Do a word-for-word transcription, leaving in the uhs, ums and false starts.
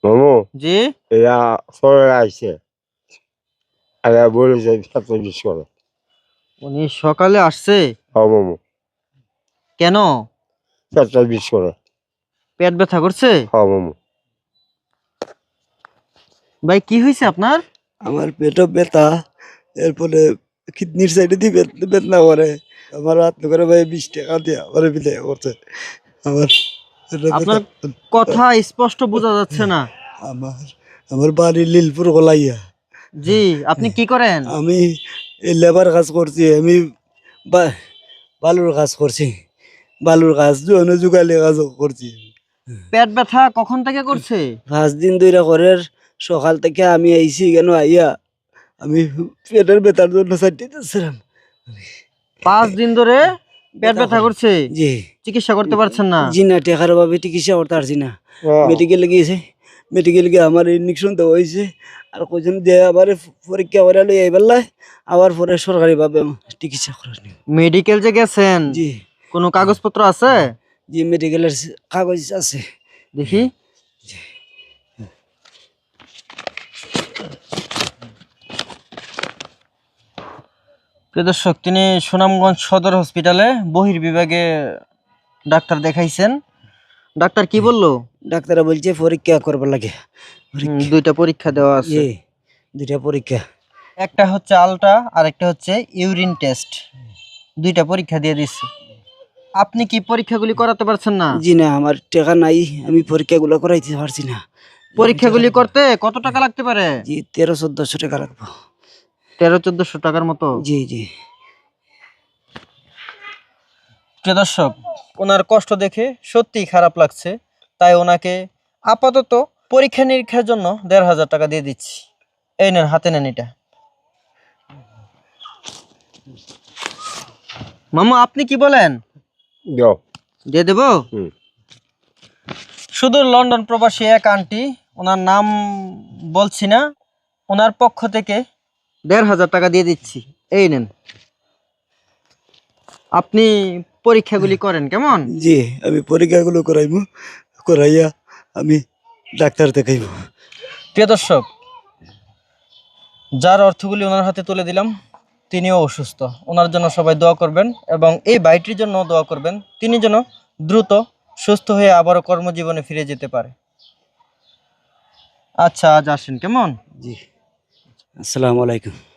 মামু জি এরা সরে আইছে এরা বলেছে এত বিশ করে। উনি সকালে আসছে হ্যাঁ মামু কেন? পেটটা বিশ করে। পেট ব্যথা করছে? হ্যাঁ মামু ভাই কি হয়েছে আপনার? আমার পেটও ব্যথা, এরপরে কিডনির সাইডে দিয়ে বেদনা করে। আমার হাত করে ভাই বিশ টাকা দিয়ে আমার বিদায় করছে। আমার পেটে আপনার ব্যথা। কথা স্পষ্ট বোঝা যাচ্ছে না। আমার আমার বাড়ি লীলপুর গলাইয়া। জি আপনি কি করেন? আমি এই লেবার কাজ করছি, আমি বা- বালুর কাজ করছি, বালুর কাজ জোয়ানো যুগালি কাজ করছি। পেট ব্যথা কখন থেকে করছে? পাঁচ দিন ধরে করে, সকাল থেকে আমি আইছি কেন আইয়া আমি পেটের ব্যথার জন্য চাইতেছিলাম। পাঁচ দিন ধরে পেট ব্যথা করছে, জি চিকিৎসা করতে পারছেন না? জি না, টেকার অভাবে চিকিৎসা করতে পারছি না। হ্যাঁ। মেডিকেলে গিয়েছে, মেডিকেল গিয়ে আমার ইঞ্জেকশন দেওয়া হয়েছে, আর কজন দিয়ে আবার পরীক্ষা করে লই আইবার, আবার পরে সরকারিভাবে চিকিৎসা করার নিয়ম। মেডিকেল যে গেছেন জি কোনো কাগজপত্র আছে? জি মেডিকেলের কাগজ আছে। দেখি। প্রিয় দর্শক, তিনি সুনামগঞ্জ সদর হসপিটালে বহির্বিভাগে ডাক্তার দেখাইছেন। ডাক্তার কি বললো? ডাক্তার বলছে পরীক্ষা করবার লাগে। হুম, দুইটা পরীক্ষা দেওয়া আছে। জি দুইটা পরীক্ষা, একটা হচ্ছে আলট্রা আর একটা হচ্ছে ইউরিন টেস্ট। দুইটা পরীক্ষা দিয়ে দিচ্ছে। আপনি কি পরীক্ষাগুলি করাতে পারছেন না? জি না, আমার টাকা নাই, আমি পরীক্ষাগুলো করাইতে পারছি না। পরীক্ষাগুলি করতে কত টাকা লাগতে পারে? জি তেরো চোদ্দশো টাকা লাগবে। তেরো চোদ্দশো টাকার মতো। জি জি প্রিয় দর্শক, ওনার কষ্ট দেখে সত্যিই খারাপ লাগছে, তাই ওনাকে আপাতত পরীক্ষা নিরীক্ষার জন্য দেড় হাজার টাকা দিয়ে দিচ্ছি। এই নেন, হাতে নেন এটা। মামা আপনি কি বলেন? যাও। দিয়ে দেবো? হুম। শুধু লন্ডন প্রবাসী এক আন্টি, ওনার নাম বলছি না, ওনার পক্ষ থেকে দেড় হাজার টাকা দিয়ে দিচ্ছি। এই নেন, আপনি পরীক্ষাগুলি করেন কেমন? জি আমি পরীক্ষাগুলো করাইব, করাইয়া আমি ডাক্তার দেখাইব। প্রিয় দর্শক, যার অর্থগুলি ওনার হাতে তুলে দিলাম তিনিও অসুস্থ, ওনার জন্য সবাই দোয়া করবেন এবং এই ভাইটির জন্য দোয়া করবেন, তিনি যেন দ্রুত সুস্থ হয়ে আবারও কর্মজীবনে ফিরে যেতে পারে। আচ্ছা আজ আসেন কেমন? জি আসসালামু আলাইকুম।